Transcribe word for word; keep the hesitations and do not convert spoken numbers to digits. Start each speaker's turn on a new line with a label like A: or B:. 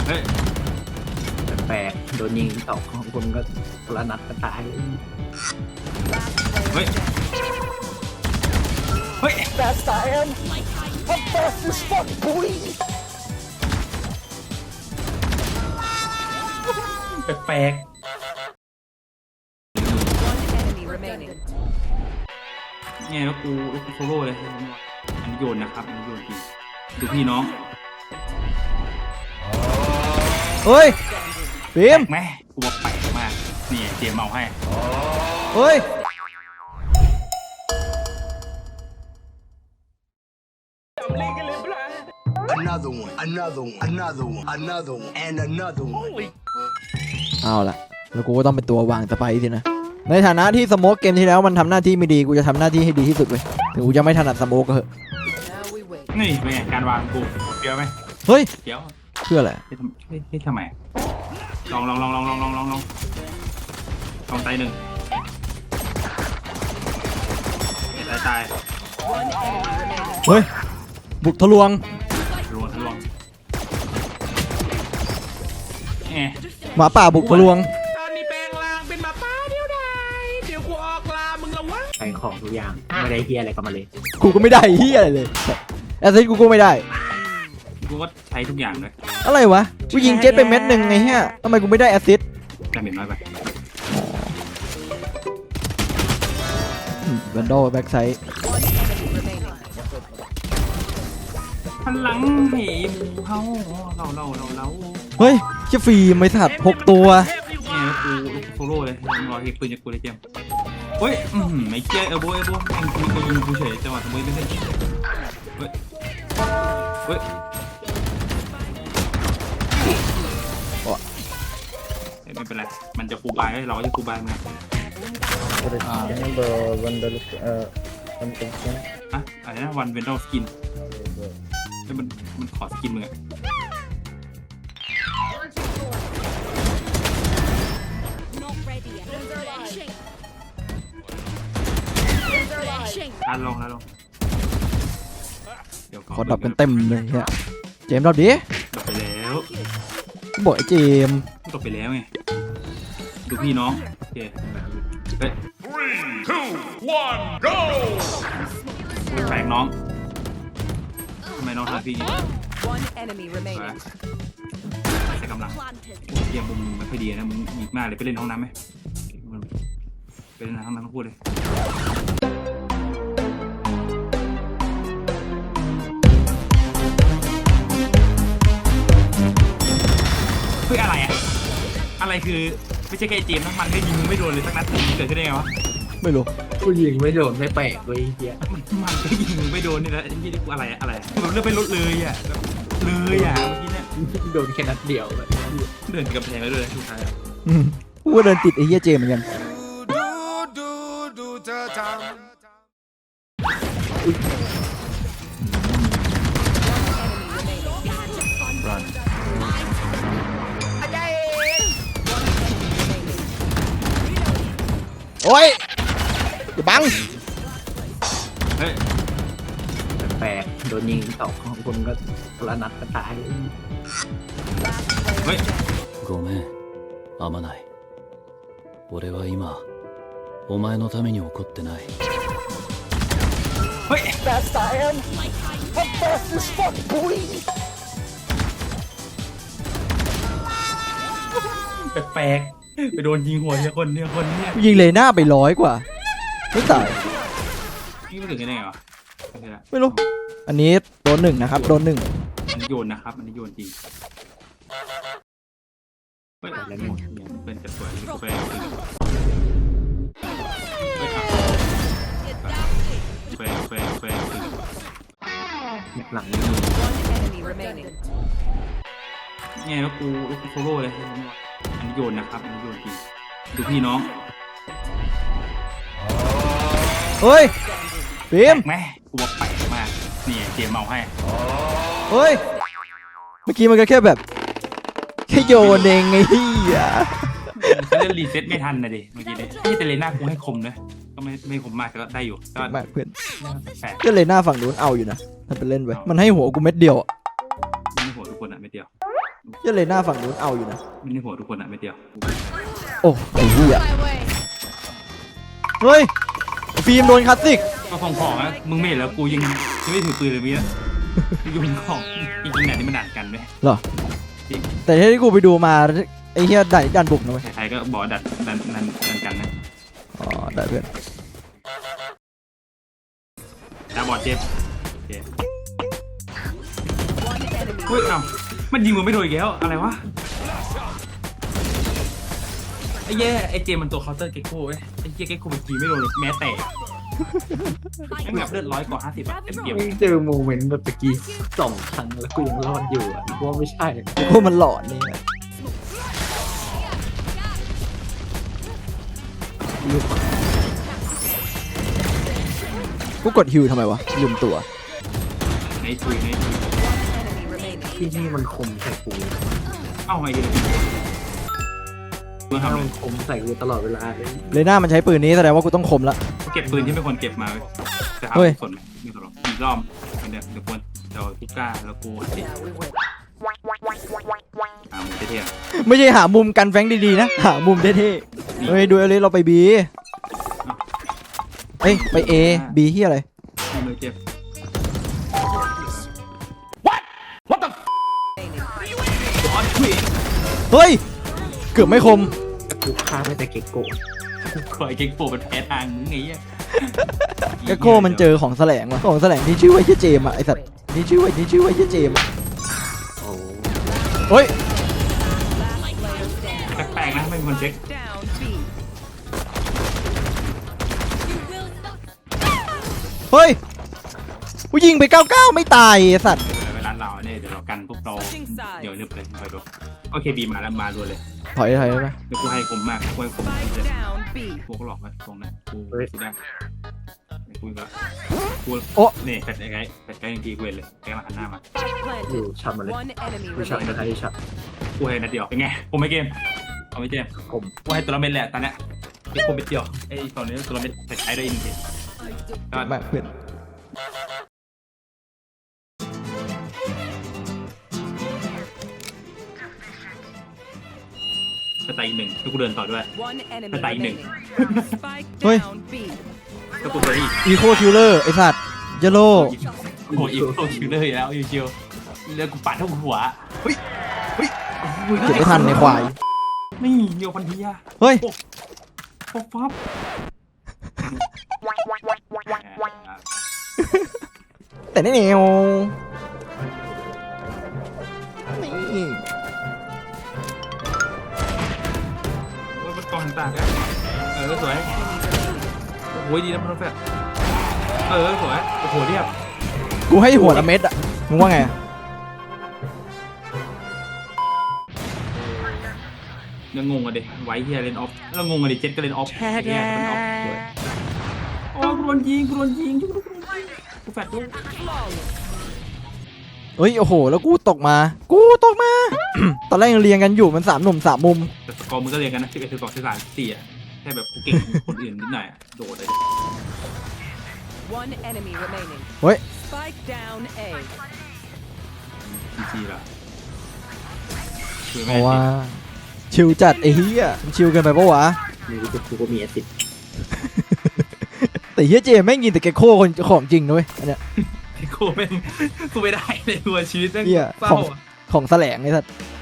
A: เฮ้ย
B: แปลกโดนยิงสองของคนก็คนละนัดก็ตาย
A: เฮ้ยเฮ้ย
C: Fast I am. I'm fast as fuck, boy.
A: แปลกเนี่ยแล้วกูแล้วกูโซโล่เลยอันนี้โยนนะครับอันนี้โยนจริงดูพี่น้อง
D: เฮ้ยฟิล์ม
A: แม่กูว่าแปลกมากนี่เจมเมาให้
D: เฮ้ย
C: Another one, another one, another one, another one, and another one.
D: เอาล่ะแล้วกูก็ต้องเป็นตัววางสไปร์สินะในฐานะที่สโมกเกมที่แล้วมันทำหน้าที่ไม่ดีกูจะทำหน้าที่ให้ดีที่สุดเว้ยถึงกูจะไม่ถนัดสโมกก็เหอะ
A: นี่เป็นไงการวางกูเดี๋ยวไหม
D: เฮ้ย
A: เดี๋ยว
D: เพื่ออะไร
A: ให้ทำให้ทำไมลองลองลองลองลองลองลองลองลองตายหนึ่งตายตาย
D: เฮ้ยบุกทะลวง
A: ทะลวงทะลวงเอ๊ะ
D: หมาป่าบุกทะลวง
A: ตอนนี้แปลงร่างเป็นหมาป่าเดียวดายเดี๋ยวกูออกลามึงละวะ
B: ใช้ของทุกอย่างไม่ได้เฮียอะไรก็มาเลย
D: กูก็ไม่ได้เฮียอะไรเลยแอสซิสกูก็ไม่ได้
A: กูก็ใช้ทุกอย่างเลย
D: อะไรวะกูยิงเจ็ตไปเม็ดหนึ่งไงเฮียทำไมกูไม่ได้แอสซิส
A: แต่เม็ดน้อยไป
D: แวนดอลแบ็กไซด์
A: พลังเหมูเขาเราเราเราเรา
D: เฮ้ยเชี่ยฟรีไม่สัตว์หกตัว
A: เนี่ยกูโซโล่เลยรอเฮกปืนจากกูเลยเจมเฮ้ยอืมไม่เจ๊เอโบเอโบเอ็งกูกูยิงกูเฉยจังหวะสมมติไม่ใช่เฮ้ยเฮ้ยไม่เป็นไรมันจะฟูบายเราก็จะฟูบายมั้ยอ่าวันเดอร์เอ่อวันเป็นอะอะไรนะวันเวนดอลสกินมันมันขอสกินมึงอะลาลงลาลง
D: ขอดับกันเต็มเลยฮะเจมส์ดับดิ
A: ดับไปแล้ว
D: บอกไอ้เจมส์
A: ดับไปแล้วไงดูพี่น้องโอเคเฮ้ย three two one go แปลกน้องทำไมน้องทำพี่นี่ใช้กำลังเยี่ยมมึงไม่ค่อยดีนะมึงหยิบมากเลยไปเล่นห้องน้ำไหมไปเล่นห้องน้ำต้องพูดเลยเฮ้ยอะไรอะอะไรคือไม่ใช่แค่เจมส์ทั้งมันได้ยิงมึงไม่โดนเลยสักนัดเกิดขึ้นได้ไงวะ
D: ไม่รู้
B: กูยิงไม่โดนไม่แปลกเลยเฮีย
A: มันก็ยิงมึงไม่โดนนี่แหละยี่นี่กูอะไรอะไรแบบเลือกไปลดเลยอะเลยอะเมื่อกี้เนี่ย
B: โดนแค่นัดเดียวเลย
A: เดินกับแพงแล้วด้วยทุกท้าย
D: กูก็เดินติดไอ้เหี้ยเจมเหมือนกันโอ้ยอย่าบัง
A: เฮ้ย
B: แปลกโดนยิงสองของคนก็คนละนัดก็ตาย
A: เฮ้ย
E: ごめんあまない俺は今お前のために怒ってない
A: เฮ้ย
C: Fast I am. I'm fast as fuck, boy.
A: แปลกไปโดนยิงหัวเนี่ยคนเนี่ยคนเนี่ย
D: ยิงเลยหน้าไปร้อยกว่าไม่ตาย
A: นี่ไม่ถึงได้ไงวะ
D: ไม่รู้อันนี้โดนหนึ่งนะครับโดนหนึ่ง
A: อันนี้โยนนะครับอันนี้โยนจริงเฮ้ยแล้วหมดเป็นจะสวยไปไปไปไป
B: หลัง
A: เนี่ยแล้วกูแล้วกูโซโล่เลยอันนี้โยนนะครับอันนี้โยนจริงดูพี่น้อง
D: เฮ้ยฟิล์ม
A: แม่กูว่าแปลกมากนี่เจมเมาให้
D: เฮ้ยเมื่อกี้มันก็แค่แบบแค่โยนเองไงเฮีย
A: เขาเล่นรีเซ็ตไม่ทันนะดิเมื่อกี้เนี่ยที่แต่เลน่ากูให้คมนะก็ไม่ไม่คมมากก็ได้อยู่ก็
D: มากเพื่อนก็เลน่าฝั่งนู้นเอาอยู่นะถ้าไปเล่นไว้มันให้หัวกูเม็ดเดียวอ่ะ
A: ไม่หัวทุกคนอ่ะเม็ดเดียว
D: เหี้ยเลน่าฝั่งนู้นเอาอยู่นะ
A: ไม่ได้หัวทุกคนอะไม่เดียว
D: โอ้ไอ้เหี้ยเฮ้ยฟิล์มโดนคลาสสิก
A: ก็ของของอะมึงไม่เห็นแล้วกูยังยังไม่ถือปืนเลยเมียยังเป็นของจริงๆเนี่ยนี่มันด่านกันไหม
D: เหรอแต่ที่กูไปดูมาไอ้เหี้ยดันดันบุกนะเว้ย
A: ใครๆก็บอกดันดันดันดันกันนะ
D: อ๋อได้เพื่อน
A: ดาบอดเจ็บโอเคเฮ้ยเอ้ามันยิงมึงไม่โดนอีกแล้วอะไรวะไอ้แย่ไอ้เจมมันตัวเคาน์เตอร์เก็กโก้เว้ยไอ้เจเก็กโก้มันยิงไม่โดนเลยแม้แต่ไอ้แบบเลือดร้อยกว่าห้าสิบอะเต็มเกม
B: ไม่เจอโมเมนต์แบบตะกี้สองครั้งแล้วกูยังรอดอยู่อ่ะกูว่าไม่ใช่
D: พวกมันหลอนนี่ กูกดฮิวทำไมวะลืมตัว
A: ในทุยในทุย
B: ที่นี่มันคมใส่กู
A: เอ้าไงดีเมื่อทำอะไร
B: มันคมใส่กูตลอดเวลาเลย
D: เลน่ามันใช้ปืนนี้แสดงว่ากูต้องคมละ
A: เก็บปืนที่ไม่ควรเก็บมาจะหา
D: เฮ้ย
A: สนไม่สนหรอกอีกรอบเดี๋ยวเดี๋ยวควรเดี๋ยวทุกกล้าแล้วกูติดอ่ามึงเท่ๆ
D: ไม่ใช่หามุมกันแฟงดีๆนะ หามุมเท่ๆเฮ้ยดูเลยเราไปบีเอ้ยไปเอบีที่อะไร
A: ไม่เลยเจ็บ
D: เฮ้ย เกือบไม่คม
B: กูฆ่าไม่แต่เก็กโกะ
A: คอยเก่งโปเป็นแพ้ทางมึงไงเงี้ย
D: กะโก้มันเจอของแสลงว่ะของแสลงที่ชื่อว่าเจเจมอ่ะไอสัตว์นี่ชื่อว่านี่ชื่อว่าเจเจมอะ
B: โอ้
D: เฮ้ย
A: แปลกๆนะไม่มีคนเช็ค
D: เฮ้ยกูยิงไปเก้าเก้าไม่ตายไอ้สัตว์
A: เวลาเราเนี่ยเดี๋ยวเรากันพวกเราเดี๋ยวนึบเลยคอยดูโอเคบีมาแล้วมาดูเลย
D: ถอยถอยได้ไหม
A: เดี๋ยวกูให้ผมมากกูให้ผมเลยพวกหลอกไว้ตรงนั้นกูกูได้กูก็กูนี่แฟดไงแฟดไงจริงๆกูเห็นเลยแกมาหันหน้ามา
B: อยู่ชัดมาเลยกูชัดกระไทยชัด
A: กูให้นัดเดียวเป็นไงผมไม่เกมเอาไม่เกม
B: คม
A: กูให้ตัวละเม็ดแหละตอนเนี้ยไอ้คนเป็นเดียวไอ้ตอนนี้ตัวละเม็ดแฟดไอ้ได้อีกทีก็
D: มากเพื่อน
A: กระต่ายอีกหนึ่งแล้วกูเดินต่อด้วย
F: กระต่ายหนึ่ง
D: เฮ้ย
A: แล้วกูเดินอีก
D: อีโคคิลเลอร์ไอสัตว์เยลโล่
A: โอ้โหอีกโคชิวเลยแล้วอยู่ชิวแล้วกูปัดทั้งหัวเฮ้ยเฮ้ย
D: เก็บไม่ทันในควาย
A: นี่เดียวพันทีอะ
D: เฮ้ย
A: ป๊อปป๊อป
D: แต่นี่เหนียวนี่
A: ว่ามันกองต่างกันเออสวยโอ้โหดีนะมันแฟร์เออสวยโอ้โหเรียบ
D: กูให้หัวละเม็ดอะมึงว่าไงอะ
A: ยังงงอ่ะเด็กไว้เฮียเลนออฟแล้วงงอ่ะเด็กเจ็ดก็เลนออฟแค่แค่เลนออฟโอ้กูโดนยิงกูโดนยิงกูแฟดด้วย
D: เฮ้ยโอ้โหแล้วกูตกมา กูตกมา ตอนแรกยังเรียงกันอยู่มันสามหนุ่มสามมุม
A: แต่สกอร์มึงก็เรียนกันนะสิบเอ็ดสิบสองสิบสามสี่อ่ะแค่แบบกูเก่งคนอื่นนิดหน่อยโดดเลย
D: เฮ้ย
A: จีจีละคือ
D: เพ
A: แม่
D: ราะว่าชิลจัดไอ้เหี้ยมันชิลเกินไปปะวะ
B: มีกูกูก็มีแอซิด
D: แต่เฮียเจแม่งยิงแต่เกโคคนของจริงนะเว้ยอันเนี้ย
A: กูไม่กูไม่ได้ในตัวชีวิตแม่ง
D: เหี้ย
A: เศร้า
D: ของ
A: อ่ะ
D: ของแสลงไอ้สัส
A: เ